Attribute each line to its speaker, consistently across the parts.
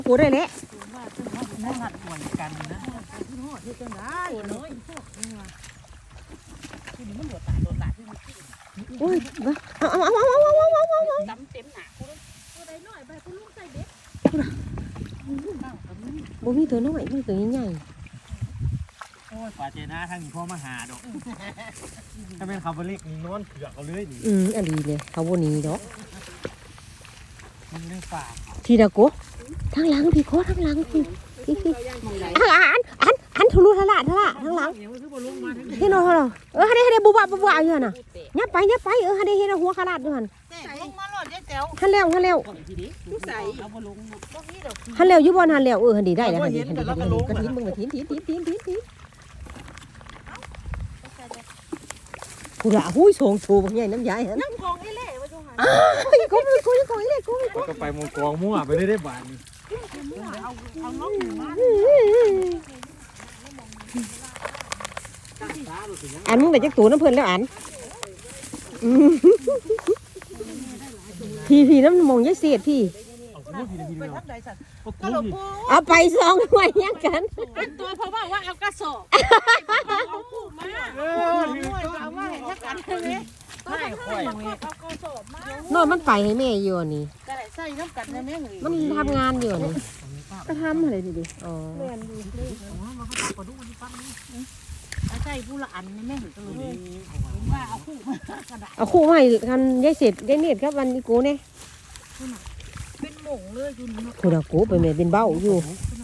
Speaker 1: กูได้แล้ว
Speaker 2: นั่งหัดห่วยกันนะ
Speaker 1: โอ้ยเอา
Speaker 3: ดำเต็มหนาคุณตัวใดน้อยไปคุณลุงใส่เด็ก
Speaker 1: บ่มีตัวน้อยมีตัวใหญ่
Speaker 2: โอ้ยป่าเจน่าทางนี้พ่อมาหาดอกถ้าเป็นคาร์บอนเล็กนี่นอนเผือกเอาเลยนี่
Speaker 1: อันดีเลยเขาบ่หนีดอก
Speaker 2: มันเรื่องป่า
Speaker 1: ทีละกูทางหลังพี่โคทางหลังพี่อันทุลุทะละทางหลังเฮ็ดเนาะให้ได้บุบอยู่หั่นน่ะยับไปให้ได้เฮ็ดหัวขลาดอยู่หั่น
Speaker 3: ลงมาหลอดยายแจ๋ว
Speaker 1: หันแล้ว
Speaker 3: ผู้ใส่
Speaker 1: หันแล้วอยู่บ่หันแล้วหันดีได้แล้วหันดีกระถินมึงกระถินกูละหุ้ยโฉงโฉบใหญ่น้ำใหญ่ฮะ
Speaker 3: น้ำกองนี่แหละว่าจังหัน
Speaker 1: กูเลยกู
Speaker 2: ก็ไปมงกองมั่วไปได้บาทนี่
Speaker 3: เอาน้องมา
Speaker 1: อันมึงแต่จักตัวน้ำเพิ่นแล้วอันพี่น้ำมองยายเสียดพี่เอาไป2 หน่วยยังกัน
Speaker 3: ตัวเพราะว่าเอากระสอบเอาคู่มาเอาว่าเห็นชักกันเลยไม่ค่อยเอากระสอบมาน
Speaker 1: อนมันไปให้แม่อยู่นี่
Speaker 3: ก็ได้ใส่น้ำกันนะแม่เงย
Speaker 1: มันทำงานอยู่นี่ก็ทำอะไรดิอ๋อ
Speaker 3: เรียนดีเลยใส่ผู้ละอันนะแม่เงยก็เลยว่าเอาคู่มากระดาษ
Speaker 1: เอาคู่มาให้กันยายเสียดยายเนียดครับวันนี้กูเนี่ย
Speaker 3: เป็นหม่งเลยคุณ
Speaker 1: กูดากูไปแม่เป็นเบ้าอยู่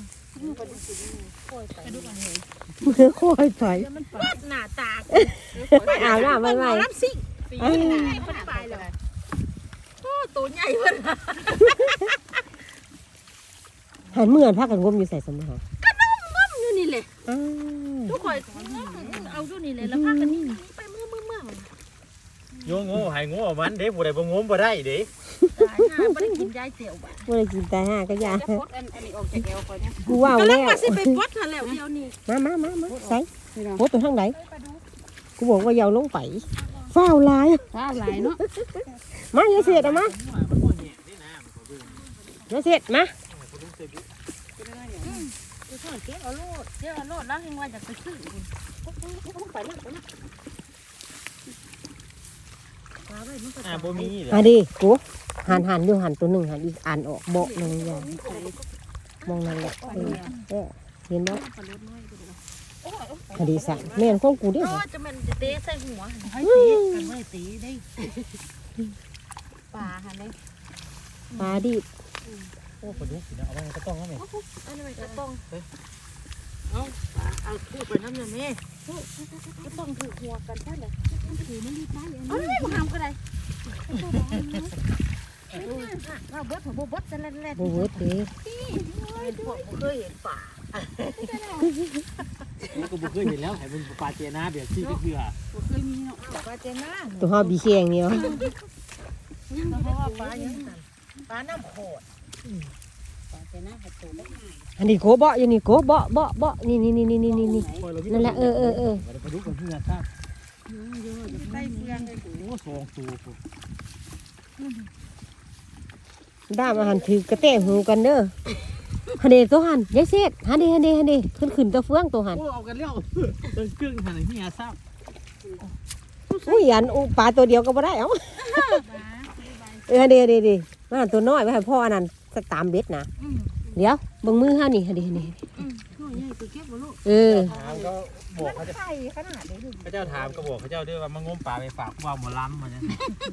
Speaker 1: ค่อยไป
Speaker 3: หน้าตา
Speaker 1: ไปอาบน้ำไม่
Speaker 3: รับสิ่งปีนี้มันไปเลยโอ้ตัวใหญ่เลย
Speaker 1: หันเมื่อนพักกันงมอยู่ใส่สมอง
Speaker 3: ก็น้มอยู่นี่เลยทุกคนเอาอยู่นี่เลยแล้วพักกันนี่ไปเมื่อ
Speaker 2: โยงโง่หายโง่มันเด้ผู้ใดบ่งมบ่ได้เด้
Speaker 3: ไม่ได้กินยายเตี๋ยวบ้า
Speaker 1: ไม่ได้กินแต่ห้าก็ยากูว่า
Speaker 3: แล้
Speaker 1: ว
Speaker 3: มาสิไปปดค่ะแล้วเดียวนี่
Speaker 1: มาใส่โคตรทางไหนกูบอกว่าอย่าลงไปฝ้าวลาย
Speaker 3: เนาะ
Speaker 1: มาอย่าเสียดเอามาอย่าเสียดมา
Speaker 3: เจ๊เอาโลดแล้วให้ว่าจะไปซื้อไปนะ
Speaker 2: บ่มี
Speaker 1: เลยดิกูหันอยู่หันตัวหนึ่งหันอีกอ่านออกบอกหนึ่งอย่างมองนั่นแหละเห็นไหมคดีสั่งแม่นของกูดิ
Speaker 3: จะมันจะเตะใส่หัวให้ตีกันไม่ตีได้ปลาค่ะเนี่ย
Speaker 1: ปลาดิ
Speaker 2: โอ้ปลาดุกสินะเอาไว้กระต้องแล้วแม่
Speaker 3: อันนี้กระต้องเอาคู่ไปน้ำเนี่ยแม่กระต้องถือหัวกันใช่ไหมถือไม่รีบไปไม่มาทำก็ได้เราเบิดหัวเบิดจะเล่น
Speaker 1: เบิดดิ
Speaker 3: พวกเคยเห็นป่า
Speaker 2: แล้วก็บุกเคยเห็นแล้วไอ้เป็นปลาเจน่าแบบที่เพื่อ
Speaker 3: เคยมีเนาะปลาเจน่า
Speaker 1: ตัวห่อบีเคียงเนี่ย
Speaker 3: เพราะว่าปลาอย่างนั้นปลาน้ำโขดปลาเจน่าหัดตัวได้ง่าย
Speaker 1: อันนี้โกเบาอย่างนี้โกเบานี่นั่นแหละ
Speaker 2: ปลาดุกกับเพื่อครับ
Speaker 3: ใส่เฟืองเลย
Speaker 2: โอ้สองตัว
Speaker 1: ด้ามอาหารถือกระเตะหูกันเด้อฮันเดตัวหันยายเสียดฮันเดขึ้นตัวเฟืองตัวหัน
Speaker 2: โอ้เอากันแล้วตัวกึ่งหันที่อาซับ
Speaker 1: อุ้ยอันปลาตัวเดียวก็ไม่ได้เอ้าฮันเดมาตัวน้อยไว้ให้พ่ออันนั้นตามเบ็ดนะเดี๋ยวบังมือห้านี่ฮันเด
Speaker 2: ถามก็บอกเขาจะเขาเจ้าถามก็บอกเขาเจ้าด้วยว่ามางมปลาไปฝากว่าหมอล้ำมาเนี่ย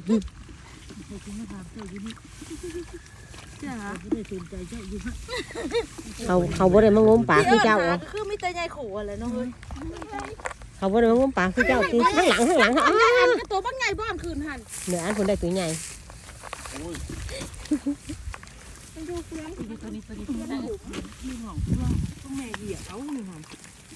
Speaker 1: เขาบ่ได้มางมปลาคือเจ้า
Speaker 3: คือไม่ใจใหญ่ขู่อะไรเนาะ
Speaker 1: เขาบ่ได้มางมปลาคือเจ้าคือข้างหลัง
Speaker 3: ตัวบ้างไงบ้านคืนหัน
Speaker 1: เหนืออันคนได้ตัวใหญ่
Speaker 3: ตัวนี้มีหอมต้องแม่เหยียบเอาหอม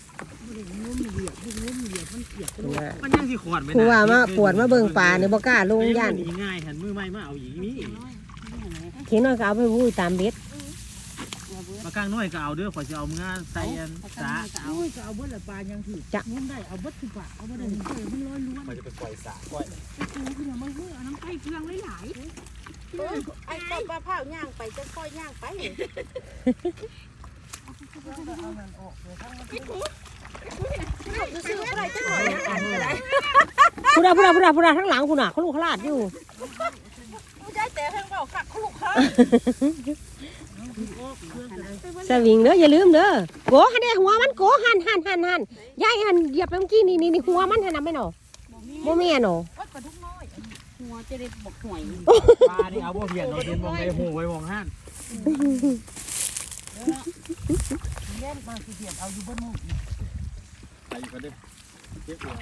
Speaker 2: มันยังสิขวดไหมนะ
Speaker 1: กูว่ามาปวดมาเบิ่งปลาเนี่ยบ่กล้าลงย่าน
Speaker 2: ง่ายหันมือไม้มาเอาอย่างนี้
Speaker 1: เขียนน้อยก็เอาไปพูดตามเบ็ด
Speaker 2: มากางน้อยก็เอาเด้อขอจะเอาเมื่อใส่ยันสา
Speaker 3: ก็เอาเบิดละปลายังถือจะง้มได้เอาเบิดคือปลาเอาเบิดเลยมันลอยล้วน
Speaker 2: ขอจะไปปล่อยสาก้อย
Speaker 3: คือมันเอาน้ำไก่เครื่องหลายไอ้ต้นมะพร้าวย่างไปจะค่อยย่างไปซื้ออะไรจะหน่อยอะไร
Speaker 1: พูดาทั้งหลังคุณน่ะเขาลูกขลาดอยู่
Speaker 3: ไม่ได้แต่เพิ่งบอกฝักคุกเขา
Speaker 1: สวิงเด้ออย่าลืมเด้อโกหันเด้หัวมันโกหันยายหันเหยียบไปเมื่อกี้นี่หัวมันหันน่ะไม่หนอบ่แม่นหนอ
Speaker 3: วัดปลาดุกน้อยหัวจะได้บอกหวย
Speaker 2: ปลานี่เอาบ่เพียนเนาะเห็นมองใดหูไว้มองห้าน
Speaker 3: เล่นมาสิเดียดเอาอยู่บนมุม
Speaker 2: ไปอยู่กันเด้อเจ็บหัว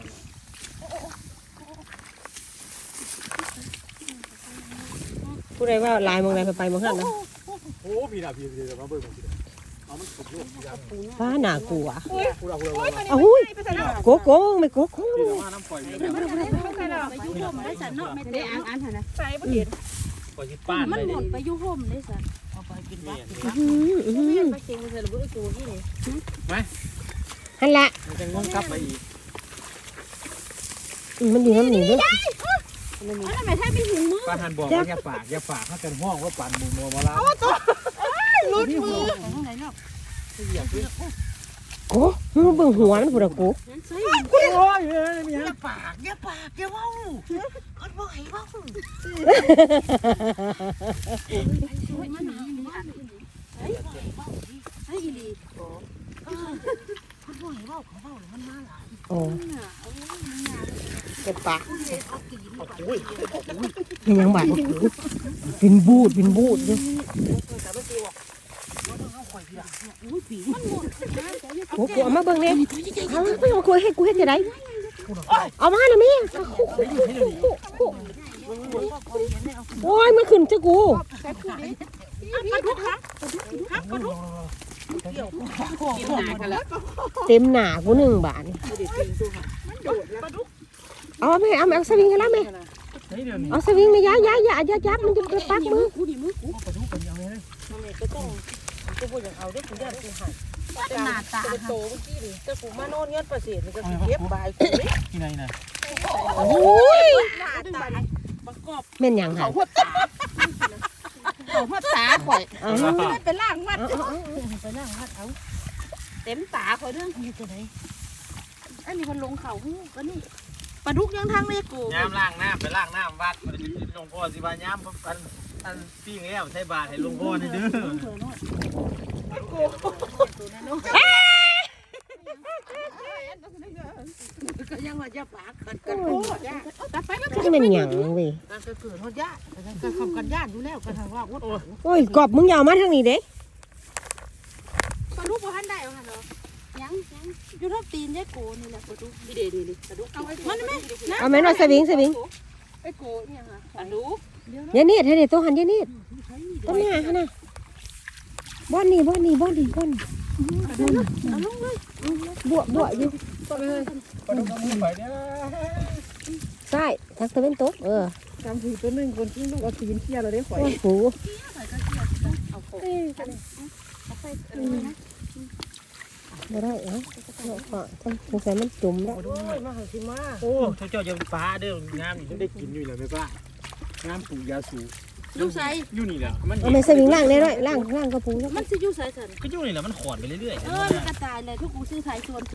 Speaker 1: ผู้ใดว่าลายมองใดไปมองหันนะ
Speaker 2: โอ้พี่น่ะพี่เดี๋ยวมาเบิ่งพี่เอามันสุดลูกพี่
Speaker 1: ฟ้าหน้ากลัว
Speaker 2: พูดเอา
Speaker 1: อ้าวโกไม่โก
Speaker 2: พี่เดี๋ยวมาน้ำปล่อย
Speaker 3: ไปยุ่ห่มได้สันเนาะไม่ได้อ่านนะใส่บ่เห็น
Speaker 2: ปล่อยสิป้าน
Speaker 3: มัน
Speaker 2: ได้
Speaker 3: ห
Speaker 2: ดิ
Speaker 3: มุนไปยุ่ห่มได้สันเอาไปกินวัดไปเก่งไปใส่ระเบิดกูที่นี่
Speaker 1: หันละ
Speaker 2: มันจะงงกลับไปอีก
Speaker 1: มันอยู่น้ำหนีด้วย
Speaker 3: แล้วทำไมถ้าเป็นหินมือ
Speaker 2: ป้าหันบอกว่าอย่าฝากถ้ากันห้องว่าปั่นหมูนัวมาลา
Speaker 3: ลุดมือของไหนเนาะ
Speaker 2: เหยียบด้วย
Speaker 1: โกมึงเบิ่งหัวมันพูดอะโก
Speaker 3: นั่นใส่
Speaker 2: โอ้ยมีฮะ
Speaker 3: ปากอย่าเว้าคนบ่ให้เว้ามันหาเฮ้ยเฮ้ยอีหลีคนบ่ให้เว้าเขาเว้ามันมาหลาย
Speaker 1: โอ้เป็นปาก
Speaker 2: โอ้ย
Speaker 1: เป็นยังบาดเป็นบูดด้วย
Speaker 3: อุ้ยปีมันหมด
Speaker 1: โอ้กูเอามาเบิ่งเลยเอาไปเอากูให้จะได้เอามานะแม่โอ้ยมันขึ้นจะกู
Speaker 3: ปลาดุกครับปลาดุก
Speaker 2: กินหนากันแล้ว
Speaker 1: เต็มหนากู1 บาทเอาสวิงให้แล้วแม่
Speaker 2: เฮ้ยเดี๋ยวนี้
Speaker 1: เอาสวิงนะอย่าจับมันจะไปปักมือ
Speaker 3: กูดิมือกู
Speaker 2: ปลาดุกกันยังไงเลย
Speaker 3: ก็ต้องกูบ่อยากเอาได้กูย่านกูหันเป็นหน้าตาโตเมื่อกี้ดิแต่กูมาโน่นเงินประเสริฐมันก็สิเก็บบายกูเด้
Speaker 2: ที่ไหนนะ
Speaker 1: โอ้ย
Speaker 3: หน้าตาบังกอบ
Speaker 1: แม่นหยังหา
Speaker 3: หัวตาเขาหัวตาข่อย
Speaker 1: เอา
Speaker 3: ไม่เป็นล่างวัดไปล่างวัดเอาเต็มตาข่อยเรื่องนี่ตัวไหนอันนี้มันลงเข่าหูก็นี่ปลาดุกยังทางเลยกู
Speaker 2: ย้ำล้างน้ำไปล้างน้ำวัดมันจะลงพ่อสิบาย้ำอันปิ้งแล้วใช้บาทให้ลงพ่อนี่เด้อ
Speaker 3: ก็ยังว่าจะปากกันโอ้ยแต่ไปมัน
Speaker 1: นี่มันหยังเว้ย
Speaker 3: การเกิดหัวญาติการทำกันญาติอยู่แล้วกันทางว่าวัด
Speaker 1: โอ้ยกอบมึงอย่าเอามาทางนี้เด้
Speaker 3: ปลาดุกบ่ทันได้เอาหั่นเหรอยังอยู่ทับตีนยายโกนี่แหละปลาดุกดีปลาดุกเอาไว้มันแม่
Speaker 1: เอาแม่นว่าสวิง
Speaker 3: ไอ้โกเนี่ยค่ะปลาดุก
Speaker 1: อย่าเนียดให้เด็ดตัวหันอย่าเนียดต้นหน้าฮะนะบ่อนนี่
Speaker 3: เอาลงเลย
Speaker 1: บัวอยู่
Speaker 2: ปลาดุกกับมือไปเนี่ย
Speaker 1: ใช่ทักตะเวนตก
Speaker 3: จำถือตัวนึงคนที่ลูกเอาตีนเที่ยเราได้ข่อย
Speaker 1: โอ้โห
Speaker 3: เอาโค
Speaker 1: บ่ได้ก็สงสัยมันจุ่มแล้ว
Speaker 3: โอ้ยมาหันสิมา
Speaker 2: โอ้เจ้าจะปลาเด้องามอยู่ได้กินอยู่แล้วแม่ป้างามปลูกยาสูบ
Speaker 3: ลูกใส่
Speaker 2: อยู่นี่แหละมัน
Speaker 1: เอาแม่สวิงล่างได้ด้วยล่างกระปุกแล้ว
Speaker 3: มันสิอยู่ใส่สัน
Speaker 2: ก็อยู่นี่แหละมันขอนไปเรื่อย
Speaker 3: มันกระจายเลยทุกกูซื้อขายส่วน